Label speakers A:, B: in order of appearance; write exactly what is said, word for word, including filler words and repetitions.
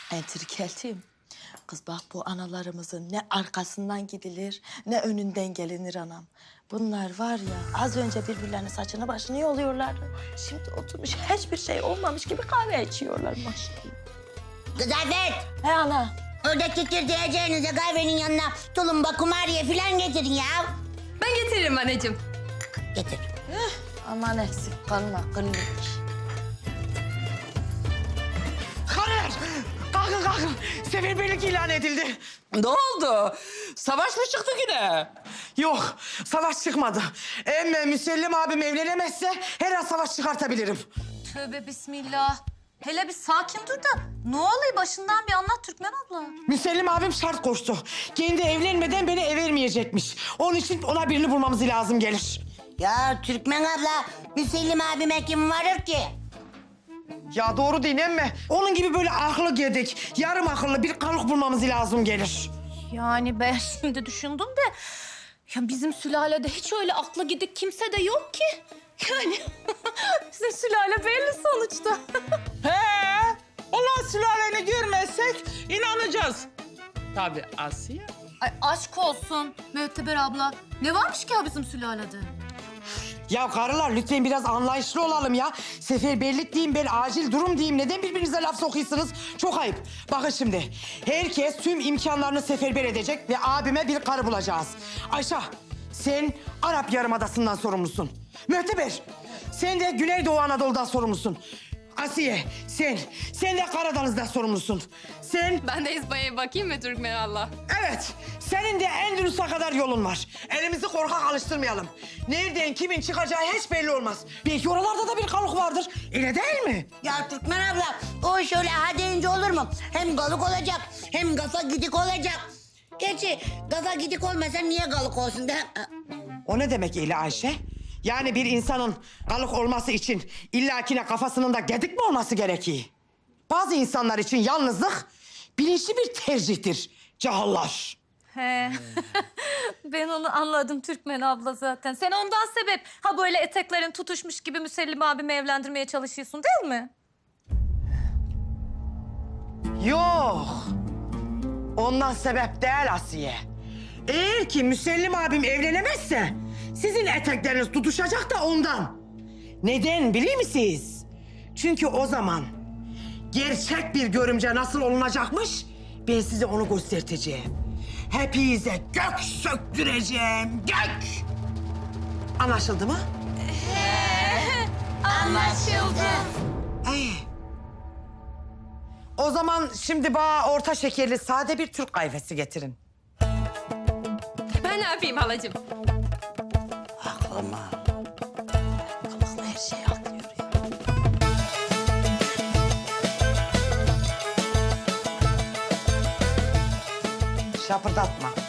A: Entrikeltiyim. Kız bak bu analarımızın ne arkasından gidilir ne önünden gelinir anam. Bunlar var ya az önce birbirlerinin saçını başını yoluyorlardı. Şimdi oturmuş hiçbir şey olmamış gibi kahve içiyorlar maşallah.
B: Kız Afet,
A: He ana.
B: orada tükürdüğeceğinize kahvenin yanına tulumba, kumariye falan getirin ya.
C: Ben getiririm anneciğim.
B: Getir.
A: Aman eksik kalma kıllık.
D: Karılar! Kalkın kalkın. Seferberlik ilan edildi.
E: Ne oldu? Savaş mı çıktı yine?
D: Yok, savaş çıkmadı. Emme Müsellim abim evlenemezse her an savaş çıkartabilirim.
C: Tövbe bismillah. Hele bir sakin dur da ne oluyor başından bir anlat Türkmen abla.
D: Müsellim abim şart koştu. Kendi evlenmeden beni ev vermeyecekmiş. Onun için ona birini bulmamız lazım gelir.
B: Ya Türkmen abla, Müsellim abime kim varır ki?
D: Ya doğru değil emme. Onun gibi böyle aklı gedik, yarım akıllı bir kalık bulmamız lazım gelir.
C: Yani ben şimdi düşündüm de ya bizim sülalede hiç öyle aklı gidik kimse de yok ki. Yani bizim sülale belli sonuçta.
E: He? Ulan sülaleni görmezsek inanacağız. Tabii Asiye.
C: Ay aşk olsun Müteber abla. Ne varmış ki ya bizim sülalede?
D: Ya karılar lütfen biraz anlayışlı olalım ya. Seferberlik diyeyim, ben acil durum diyeyim. Neden birbirinize laf sokuyorsunuz? Çok ayıp. Bakın şimdi, herkes tüm imkanlarını seferber edecek ve abime bir karı bulacağız. Ayşe, sen Arap Yarımadası'ndan sorumlusun. Mühteber, sen de Güneydoğu Anadolu'dan sorumlusun. Asiye, sen, sen de Karadeniz'den sorumlusun. Sen,
C: Ben de İzba'ya bakayım mı Türkmen abla?
D: evet, senin de Endülüs'e kadar yolun var. Elimizi korkak alıştırmayalım. Nereden kimin çıkacağı hiç belli olmaz. Belki oralarda da bir kalık vardır. Öyle değil mi?
B: Ya Türkmen abla, o şöyle ha deyince olur mu? Hem galık olacak, hem kafa gidik olacak. Gerçi kafa gidik olmasa niye galık olsun da?
D: O ne demek Eli Ayşe? Yani bir insanın kalık olması için illakine kafasının da gedik mi olması gerekiyor? Bazı insanlar için yalnızlık bilinçli bir tercihtir. Cahillar.
C: He. Ben onu anladım Türkmen abla zaten. Sen ondan sebep ha böyle eteklerin tutuşmuş gibi Müsellim abimi evlendirmeye çalışıyorsun değil mi?
D: Yok. Ondan sebep değil Asiye. Eğer ki Müsellim abim evlenemezse sizin etekleriniz tutuşacak da ondan. Neden biliyor musunuz? Çünkü o zaman gerçek bir görümce nasıl olunacakmış ben size onu göstereceğim. Hepinize gök söktüreceğim, gök. Anlaşıldı mı?
C: Anlaşıldı.
D: Ee, o zaman şimdi bana orta şekerli sade bir Türk kahvesi getirin.
C: Ben ne yapayım halacığım?
B: Aklıma.
A: Kalıklı her şey aklıyor ya.
D: Şapırdatma.